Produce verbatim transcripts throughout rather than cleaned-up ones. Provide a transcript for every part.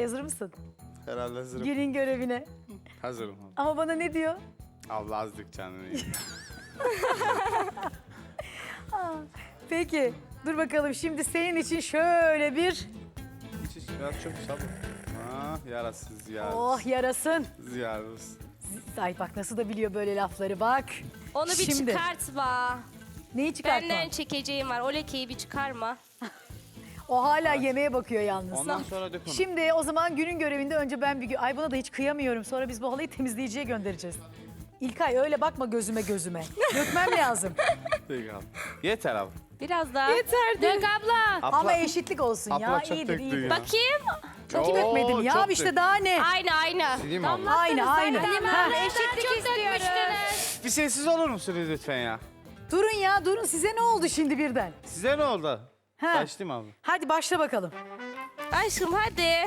hazır mısın? Herhalde hazırım. Günün görevine. Hazırım abi. Ama bana ne diyor? Allah azdık canını iyi. Peki dur bakalım şimdi senin için şöyle bir... İç iç biraz çok sabır. Ah yarasız yarasız. Oh yarasın. Yarasız. Ay bak nasıl da biliyor böyle lafları bak. Onu bir Şimdi. çıkartma. Neyi çıkartma? Benden çekeceğim var. O lekeyi bir çıkarma. O hala yemeğe bakıyor yalnız. Ondan sonra dök onu. Şimdi o zaman günün görevinde önce ben bir... gö- Ay buna da hiç kıyamıyorum. Sonra biz bu halıyı temizleyiciye göndereceğiz. İlkay öyle bakma gözüme gözüme. Dökmem lazım. Peki abi. Yeter abi. Biraz daha. Yeter. Dök abla. Ama eşitlik olsun ya. Abla çok İyidir döktün iyidir. ya. Bakayım. Çok Oo, dökmedim ya çok işte dök. daha ne? Aynı aynı. Sileyim abi. Aynı aynı. Ha. Eşitlik istiyoruz. Bir sessiz olur musunuz lütfen ya? Durun ya durun size ne oldu şimdi birden? Size ne oldu? Ha. Başlayayım abi. Hadi başla bakalım. Aşkım hadi.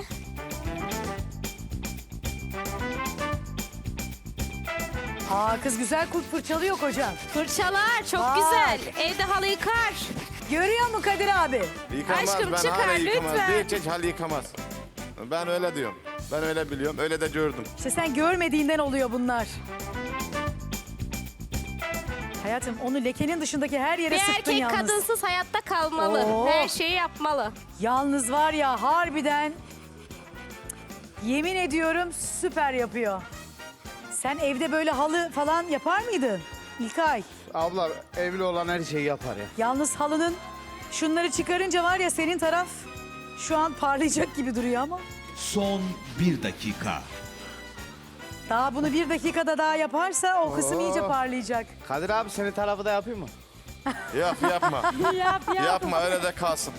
Aa kız güzel kurt fırçalıyor kocam. Fırçalar çok Bak. güzel. Evde halı yıkar. Görüyor musun Kadir abi? Yıkamaz, Aşkım ben çıkar hala yıkamaz. lütfen. Bir tek hal yıkamaz. Ben öyle diyorum. Ben öyle biliyorum, öyle de gördüm. İşte sen görmediğinden oluyor bunlar. Hayatım onu lekenin dışındaki her yere Bir sıktın erkek yalnız. kadınsız hayatta kalmalı. Oo. Her şeyi yapmalı. Yalnız var ya harbiden yemin ediyorum süper yapıyor. Sen evde böyle halı falan yapar mıydın İlkay? Abla evli olan her şeyi yapar ya. Yalnız halının şunları çıkarınca var ya senin taraf şu an parlayacak gibi duruyor ama. Son bir dakika. Daha bunu bir dakikada daha yaparsa o kısım iyice Oo. parlayacak. Kadir abi senin tarafı da yapayım mı? Yap, yapma. Yap yap. Yapma, öyle de kalsın.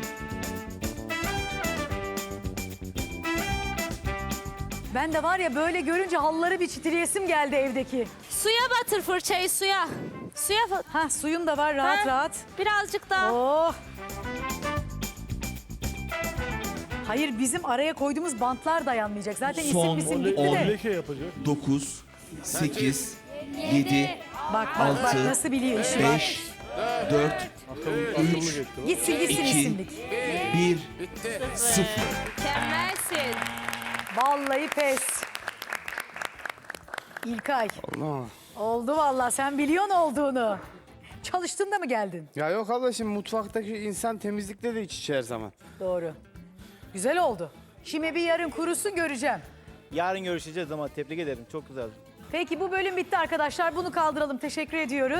Ben de var ya böyle görünce halıları bir çitileyesim geldi evdeki. Suya batır fırçayı suya. Suya fa- Ha suyum da var rahat Ha? rahat. Birazcık daha. Oh. Hayır bizim araya koyduğumuz bantlar dayanmayacak. Zaten isim Son misim gitti on. de. dokuz, sekiz, yedi, Bak bak bak Altı, nasıl biliyor işi. Bak. beş, dört, üç, Gitsin gitsin iki. isimlik. bir, sıfır. Mükemmelsin. Vallahi pes. İlkay. Allah. Oldu vallahi sen biliyorsun olduğunu. Çalıştın da mı geldin? Ya yok abla şimdi mutfaktaki insan temizlikle de iç içe her zaman. Doğru. Güzel oldu. Şimdi bir yarın kurusun göreceğim. Yarın görüşeceğiz ama tebrik ederim. Çok güzel. Peki bu bölüm bitti arkadaşlar. Bunu kaldıralım. Teşekkür ediyoruz.